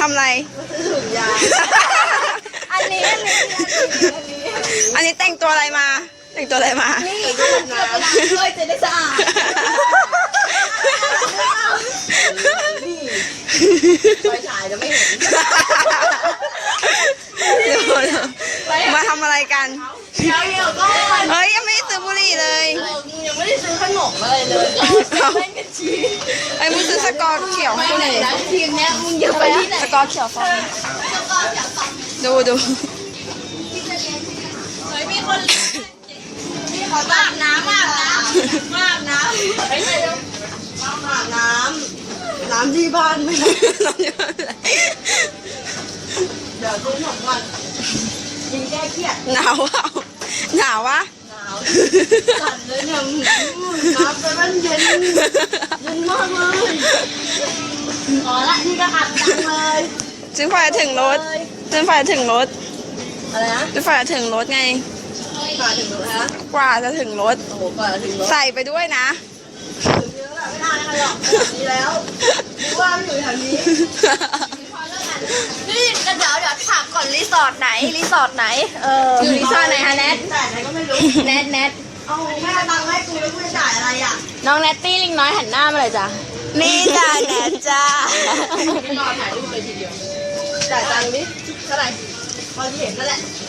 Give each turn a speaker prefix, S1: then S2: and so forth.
S1: ำอะไร
S2: ถุงยาอันนี้
S1: แต่งตัวอะไรมาแต่งตัวอะไรมา
S2: นี่ก็น้ำช่วยจะได้สะอาดนี่ไฟฉายจะไม่เห็น
S1: มาทำอะไรกัน
S2: เดี๋ยวก่อน
S1: เฮ้ยยังไม่ได้ซื้อบุหรี่เลย
S2: ยังไม่ได้ซื้อขนมอะไรเลยเล่นกันชี
S1: ไอ้มึงซื้อสกอร์เขียวให้กูหน่อย
S2: ทีมเนี้ยมึงอย่าไปที่ไหน
S1: สกอร์เขียวฟองดู
S2: เฮ้ยมีคนมีขออาบน้ำเฮ้ยอาบน้ำที่บ้านไหมเดี๋ยวซื้อขนมก่อนกินแก้เครียด
S1: หนาวอ่ะหนาววะ
S2: สั่นเลยเนี่ยน้ำไปมันเย็นมากเลยอ๋อละนี่ก็อัดดังเลย
S1: จนฝ่ายถึงรถอะไรนะจนฝ่ายถึงรถไง
S2: กว่าถึงรถฮะ
S1: กว่าจะถึงรถ
S2: โอ้โหกว่าถึงรถ
S1: ใส่ไปด้วยนะ
S2: ถึงเยอะแล้วไม่ได้หรอกดีแล้วดูว่ามันอยู่แถวนี้นี่เดี๋ยวถามก่อนรีสอร์ทไหน
S1: อยู่รีสอร์ทไหนฮะแนท
S2: แต่ไหนก็ไม่รู้
S1: แนท
S2: เอาแม่ตังค์ให้กูแล้วกูจะจ่ายอะไรอ่ะ
S1: น้องแนตตี้ลิงน้อยหันหน้ามาเลยจ้ะนี่จ้ะแนทจ้า
S2: ไม่รอถ่ายรูปเลยทีเดียวจ่ายตังค์ดิเท่าไหร่พอที่เห็นนั่นแหละ